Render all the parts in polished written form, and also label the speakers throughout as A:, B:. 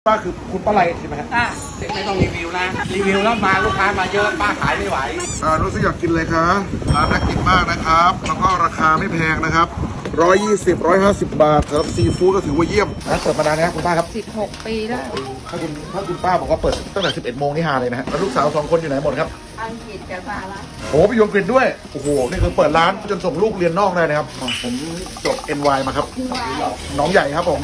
A: ป้าคือคุณป้าไรใช่ไหมฮะ
B: ไม่ต้องรีวิวนะรีวิวแล้วมาลูกค้ามาเยอะป้าขายไม่ไหว
A: รู้สึกอยากกินเลยครับร้านน่ากินมากนะครับแล้วก็ราคาไม่แพงนะครับ120 150 บาทสำหรับซีฟู้ดก็ถือว่าเยี่ยมร้านเปิดมานานนะครับคุณป้าครับ
C: 16 ปีแล้ว
A: ถ้าคุณป้าบอกว่าเปิดตั้งแต่11 โมงนี่ฮาเลยนะฮะแล้วลูกสาว2 คนอยู่ไหนหมดครับ
C: อังกฤษกับสหรัฐ
A: โอ้ไปอยู่อังกฤษด้วยโอ้โหนี่คือเปิดร้านจนส่งลูกเรียนนอกได้นะครับผมจบ NY มาครับน้องใหญ่ครับผม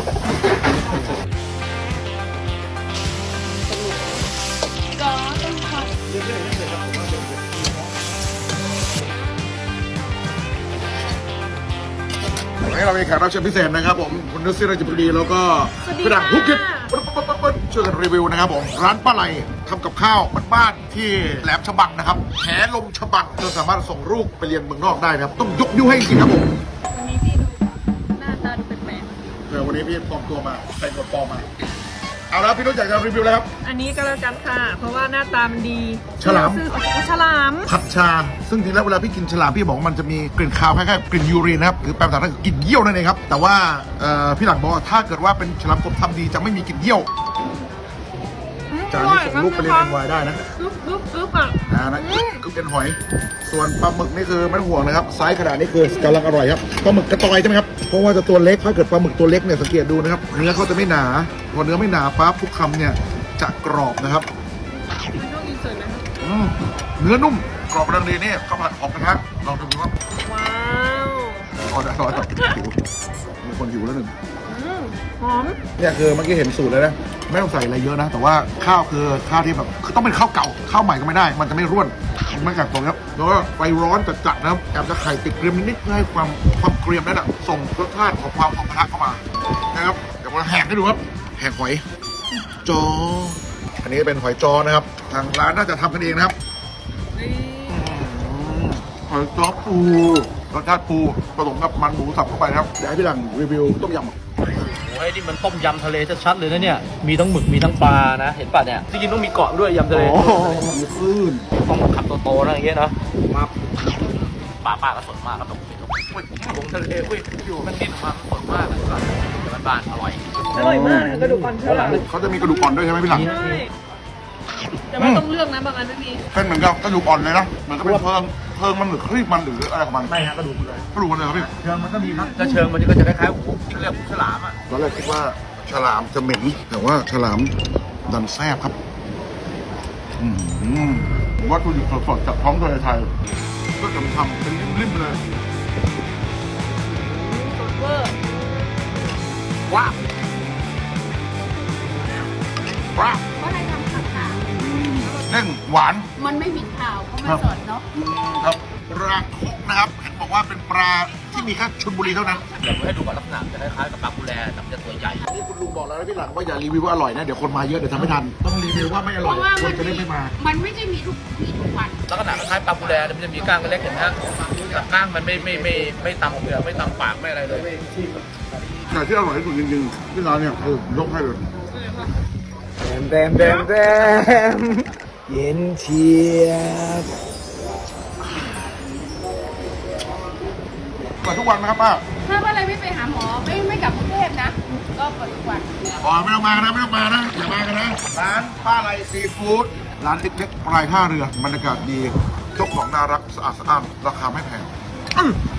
A: วันนี้เรามีแขกรับเชิญพิเศษนะครับผมคุณนุชศิราจิบดีแล้วก็พี่ดังฮุกกิฟช่วยกันรีวิวนะครับผมร้านป้าไหลทำกับข้าวบ้านๆที่แหลมฉบังนะครับแหลมฉบังจนสามารถส่งลูกไปเรียนเมืองนอกได้นะครับต้องยกนิ้วให้จริงครับผม
C: วันนี้พี่ดูหน้าตาดูแปลก
A: ๆวันนี้พี่ปลอมตัวมาใส่กดปลอมมาเอาแล้วพี่นุชอยากจะรีวิวแล้วครับ
C: อันนี้ก็แล้วกันค่ะเพราะว่าหน้าตามันดี
A: ฉลาม
C: ฉลาม
A: ผัดชาซึ่งจริงแล้วเวลาพี่กินฉลามพี่บอกว่ามันจะมีกลิ่นคาวคล้ายๆกลิ่นยูรีนนะครับหรือแปลภาษาไทยคือกลิ่นเยี่ยวนั่นเองครับแต่ว่าพี่หลังบอกว่าถ้าเกิดว่าเป็นฉลามกบทำดีจะไม่มีกลิ่นเยี่ยวจานนี้ส่งลูกไปเรียน NY ได้นะ
C: อ่ะ
A: นะคือเป็นหอยส่วนปลาหมึกนี่คือไม่ต้องห่วงนะครับไซส์ขนาดนี้คือกำลังอร่อยครับปลาหมึกกระตอยใช่ไหมครับเพราะว่าจะตัวเล็กถ้าเกิดปลาหมึกตัวเล็กเนี่ยสังเกตดูนะครับเนื้อเขาจะไม่หนาพอเนื้อไม่หนาปั๊บทุกคำเนี่ยจะกรอบนะครับเนื้อนุ่มกรอบรังดีนี่ข้าวผัดหอมกระทะลองดูครับ
C: ว้าว
A: อร่อยมีคนหิวแล้วหนึ่ง
C: หอม
A: เนี่ยคือเมื่อกี้เห็นสูตรเลยนะไม่ต้องใส่อะไรเยอะนะแต่ว่าข้าวคือข้าวที่แบบคือต้องเป็นข้าวเก่าข้าวใหม่ก็ไม่ได้มันจะไม่ร่วนไม่กัดตรงครับแล้วก็ไฟร้อนจัดๆนะครับแอบจะไข่ติดเกรียมนิดๆเพื่อให้ความเกรียมนั้นส่งรสชาติของความหอมกระทะเข้ามานะครับเดี๋ยวมาแหกให้ดูครับแหกหอยจออันนี้เป็นหอยจอนะครับทางร้านน่าจะทำกันเองนะครับหอยจอปูรสชาติปูผสมกับมันหมูสับเข้าไปนะครับเดี๋ยวให้พี่หลังรีวิวต้มยำ
B: โอ้ยนี่มันต้มยำทะเลชัดๆเลยนะเนี่ยมีทั้งหมึกมีทั้งปลานะเห็นป่ะเนี่ยจริงๆต้องมีเกาะด้วยยำทะเล
A: มีคลื่น
B: ต้องขับโตๆนะอย่างเงี้ยนะมาปลาก็สดมากครับผมผมทะเลอยู่มันดิ้นออกมาสดมากเลยแต่บ้านอร่อย
C: มากกระดูกอ่อนเชื่อ
A: เขาจะมีกระดูกอ่อนด้วยใช่ไหมพี่หลัง
C: แต่ว่าต้องเลือกนะบางอันไม่มี
A: เป็นเหมือนกับกระดูกอ่อนเลยนะเหมือนกับเป็นเพิงมันหรือครีบมันหรืออะไรของมัน
B: ไม่ฮะกระดูกเลย
A: ครับพี่
B: เชิงมันก็มีครับแต่เชิงมันก็จะคล้ายๆโอ้โหเรียกฉลามอ่ะ
A: ตอนแรกคิดว่าฉลามจะเหม็นแต่ว่าฉลามดันแซ่บครับวัตถุดิบสดๆจากท้องทะเลไทยก็จะทำเป็นริมๆเลย
C: สดเวอร์
A: ว้าว
C: ก็ให้ทำขาว
A: เด้งหวาน
C: มันไม่มีข่าวเขาไม่สดเนาะ
A: ครับปลาคุกนะครับเห็นบอกว่าเป็นปลาที่มีแค่ชลบุรีเท่านั้น
B: เดี๋ยวให้ดูก่อนลักษณะจะคล้ายๆกับปลากุแลแต่มันจะตัวใหญ่
A: นี่คุณลุงบอกแล้วนะพี่หลังว่าอย่ารีวิวว่าอร่อยนะเดี๋ยวคนมาเยอะเดี๋ยวทำไม่ทันต้องรีวิวว่าไม่อร่อยคนจะได้ไม่มา
C: มันไม่ใช่มีทุกวัน
B: ลักษณะคล้ายปลากุแลมันจะมีก้างเล็กเห็นไหมฮะแต่ก้างมันไม่ตำเปลือกไม่ตำปากไม่อะไรเลย
A: แต่ที่อร่อยที่สุดจริงๆที่ร้านเนี่ยคือยกให้เลย
D: แดมเย็นเชียบ
A: เปิดทุกวันนะครับป้า
C: ถ้าอะไรไม่ไปหาหมอไม่กลับกรุงเทพนะก็เปิดทุกวัน
A: ไม่ต้องมานะอย่ามากันนะร้านป้าไรซีฟู้ดร้านเล็กๆปลายท่าเรือบรรยากาศดีเจ้าของน่ารักสะอาดราคาไม่แพง